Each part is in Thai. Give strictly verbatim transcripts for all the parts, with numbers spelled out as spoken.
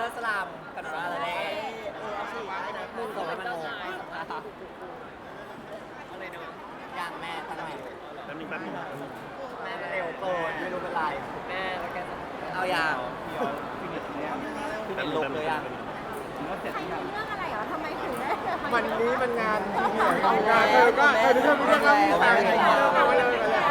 อสลัมกันมาแล้วเนี่ยเออเอาสิได้นะมึงส่งให้มันงงอย่างแม่ทำไมแป๊บนึงแป๊บนึงแม่เร็วเกินไม่รู้เป็นไรแม่แล้วแกเอาอย่างเป็นลุกเลยอ่ะใครมีเรื่องอะไรเหรอทำไมถึงได้วันนี้มันงานที่เหนื่อยงานเธอก็เธอทุกคนมีเรื่องเล่ามีสายอะไรเธอมาเลยมาเลย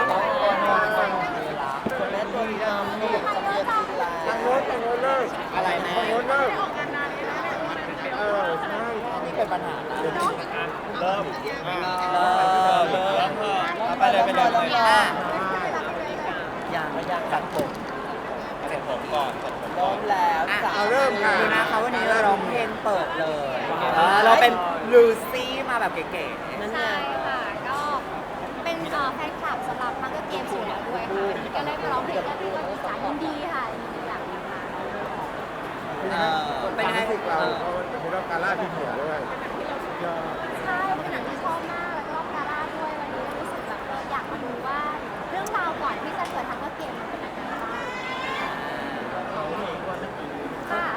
คนแรกตัวนี้นะมีแบบสำเร็จทางโน้นทางโน้นเลิกอะไรแม่ทางโน้นเลิกออกงานนานเลยนะเออใช่นี่เป็นปัญหานะเริ่มเริ่มเริ่มเริ่มไปเลยไปเลยอ่ะอย่างไม่อยากตัดผมเสร็จผมก่อนพร้อมแล้วเอาเริ่มค่ะดูนะคะวันนี้เราร้องเพลงเปิดเลยเราเป็นลูซี่มาแบบเก๋ๆนั่นไงใช่ค่ะก็เป็นเอ่อแฟนคลับสำหรับมังเกอร์เกมส์อยู่แล้วด้วยค่ะวันนี้ก็เลยมาร้องเพลงแล้วก็มีสายยินดีค่ะยินดีอย่างนี้ค่ะเออเป็นไงรู้สึกเราเพราะมันเป็นรอบการล่าที่เหนือด้วยใช่เป็นหนังที่ชอบมากแล้วก็รอบกาล่าด้วยวันนี้รู้สึกแบบเอออยากมาดูว่าเรื่องราวก่อนที่จะเกิดมังเกอร์เกมส์มันเป็นยังไงบ้างค่ะ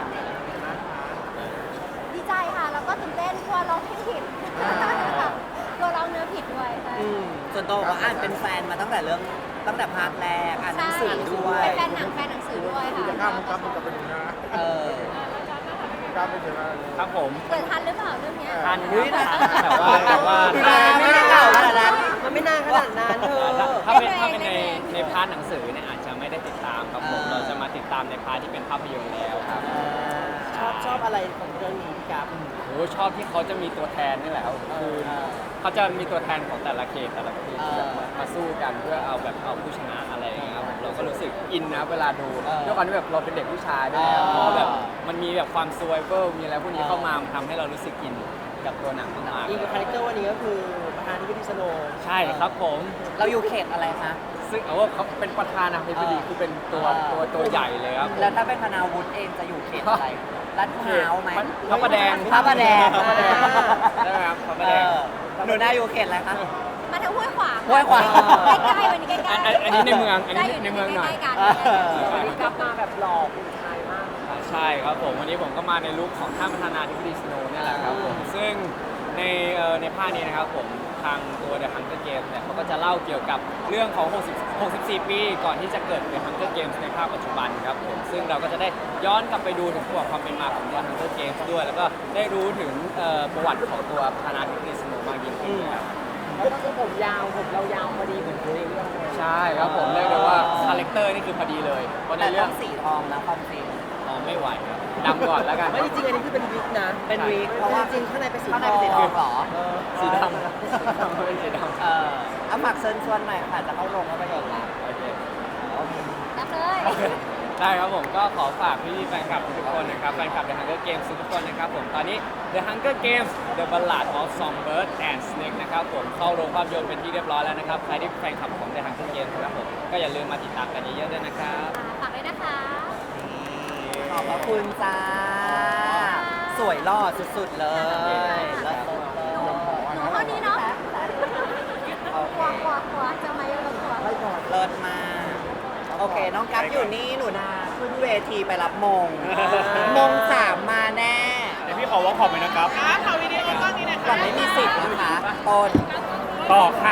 ดีใจค่ะแล้วก็ตื่นเต้นกลัวร้องเพลงผิดค่ะกลัวร้องเนื้อผิดด้วยใช่อืมส่วนตัวบอกว่าอ่านเป็นแฟนมาตั้งแต่เรื่องตั้งแต่พาร์ทแรกอ่านหนังสือด้วยเป็นแฟนหนังแฟนหนังสือด้วยค่ะจะข้ามมันกับมันกับเป็นนะเออข้ามไปถึงอะไรครับผมเกิดทันหรือเปล่าเรื่องเนี้ยทันอุ๊ยนะแต่ว่าแต่ว่าดูแลไม่ได้เก่าขนาดนั้นมันไม่นานขนาดนั้นเธอถ้าเป็นถ้าเป็นในในพาร์ทหนังสือเนี่ยอาจจะไม่ได้ติดตามครับผมเราจะมาติดตามในพาร์ทที่เป็นภาพยนตร์แล้วครับชอบชอบอะไรของเรื่องนี้ครับโอ้ชอบที่เขาจะมีตัวแทนนี่แหละครับคือเขาจะมีตัวแทนของแต่ละเขตแต่ละเขตแบบมามาสู้กันเพื่อเอาแบบเอาผู้ชนะอะไรอย่างเงี้ยครับผมเราก็รู้สึกอินนะเวลาดูด้วยความที่แบบเราเป็นเด็กผู้ชายด้วยแล้วพอแบบมันมีแบบความซวยเวอร์มีอะไรพวกนี้เข้ามามันทำให้เรารู้สึกอินกับตัวหนังมากอีกคาแรคเตอร์วันนี้ก็คือประธานที่พิธีสโนๆใช่ครับผมเราอยู่เขตอะไรคะซึ่งเอาว่าเขาเป็นประธานาธิบดีคือเป็นตัวตัวตัวใหญ่เลยครับแล้วถ้าเป็นธนาวุฒิเองจะอยู่เขตอะไรลาดพร้าวไหมพระประแดงพระประแดงพระประแดงได้ไหมครับพระประเอแดงอหนูน่าอยู่เขตอะไรคะมาทางห้วยขวางห้วยขวางใกล้ๆวันนี้ใกล้อันๆอันนี้ในเมืองอันนี้ในเมืองหน่อยใกล้ๆกันวันนี้กลับมาแบบหล่อคุณชายมากใช่ครับผมวันนี้ผมก็มาในลุคของท่านประธานาธิบดีสโนว์เนี่ยแหละครับผมซึ่งในเอ่อในภาคนี้นะครับผมทางตัว The Hunger Games เนี่ยเขาก็จะเล่าเกี่ยวกับเรื่องของ60 64 ปีก่อนที่จะเกิด The Hunger Games ในภาคปัจจุบันครับผมซึ่งเราก็จะได้ย้อนกลับไปดูถึงประวัติความเป็นมาของ The Hunger Games ด้วย แล้วก็ได้รู้ถึงเอ่อประวัติของตัวประธานาธิบดีสโนว์มากยิ่งขึ้นครับแล้วก็ผมยาวผมเรายาวพอดีเหมือนในเรื่องเลยใช่ครับผมเรียกได้ว่าคาแรคเตอร์นี่คือพอดีเลยเพราะในแต่เรื่ต้ออง งสีทองนะความจริงอ๋อไม่ไหวครับดำก่อนแล้วกันไม่จริงๆอันนี้คือเป็นวิกนะเป็นวีคเพราะว่าจริงๆข้างในเป็นสีข้างในเป็นสีทองเหรอสีดำไม่ใช่ดำเออเอาฝากเชิญชวนหน่อยค่ะจะเข้าโรงภาพยนตร์แล้วโอเครับเลยได้ครับผมก็ขอฝากพี่ๆแฟนคลับทุกคนนะครับแฟนคลับ The Hunger Games ทุกคนนะครับผมตอนนี้ The Hunger Games The Ballad of Songbird and Snake นะครับผมเข้าโรงภาพยนตร์เป็นที่เรียบร้อยแล้วนะครับใครที่เป็นแฟนคลับของ The Hunger Games นะครับผมก็อย่าลืมมาติดตามกันเยอะๆด้วยนะครับฝากด้วยนะคะขอบพระคุณจ้า สวยหล่อสุดๆเลยแล้วหนูหนูเท่านี้เนาะกลัวกลัวกลัวจะมาเยอะกลัวเลิศมาก โอเค น้องกัฟอยู่นี่หนูนาขึ้นเวทีไปรับมง มงสามมาแน่เดี๋ยวพี่ขอวอล์กขอบไปนะครับก่อนไม่มีสิทธิ์นะคะต้นต่อค่ะ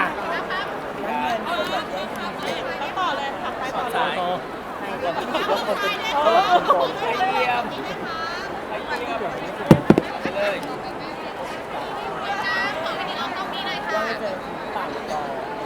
ต่อเลยสายให้คนที่ยกคนเป็นโอ้โหเยี่ยมเลยขอวันนี้เราต้องมีหน่อยค่ะ